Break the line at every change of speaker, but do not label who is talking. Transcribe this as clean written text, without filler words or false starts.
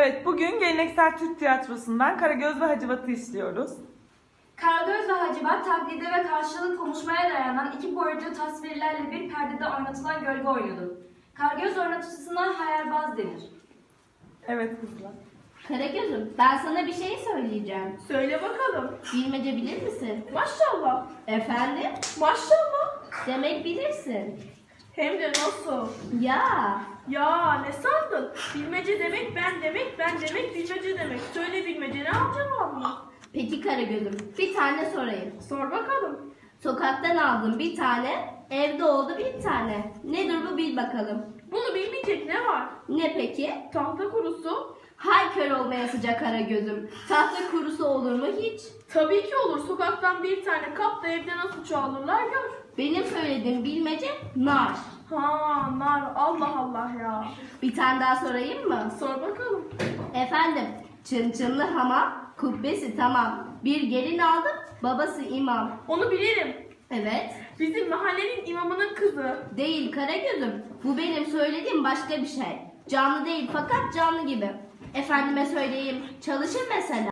Evet, bugün geleneksel Türk tiyatrosundan Karagöz ve Hacivat'ı işliyoruz.
Karagöz ve Hacivat taklide ve karşılıklı konuşmaya dayanan iki boyutlu tasvirlerle bir perdede oynatılan gölge oyunudur. Karagöz oynatıcısına hayalbaz denir.
Evet kızlar.
Karagöz'üm, ben sana bir şey söyleyeceğim.
Söyle bakalım.
Bilmece bilir misin?
Maşallah.
Efendim?
Maşallah.
Demek bilirsin.
Hem de nasıl?
Ya,
Ya ne sandın? Bilmece demek, ben demek, ben demek, bilmece demek. Söyle bilmece, ne yapacağım cevabını?
peki Karagöz'üm, bir tane sorayım.
Sor bakalım.
Sokaktan aldım bir tane, evde oldu bir tane. Nedir bu bil bakalım.
Bunu bilmeyecek ne var?
Ne peki?
Tahta kurusu.
Hay kör olmaya sıcak Karagöz'üm. Tahta kurusu olur mu hiç?
Tabii ki olur. Sokaktan bir tane kap da evde nasıl çoğalırlar gör.
Benim söylediğim bilmece nar.
Ha nar, Allah Allah ya.
Bir tane daha sorayım mı?
Sor bakalım.
Efendim, çınçınlı hamam, kubbesi tamam. Bir gelin aldım, babası imam.
Onu bilirim.
Evet,
Bizim mahallenin imamının kızı.
değil Karagöz'üm. Bu benim söylediğim başka bir şey. Canlı değil fakat canlı gibi. Efendime söyleyeyim, çalışır mesela.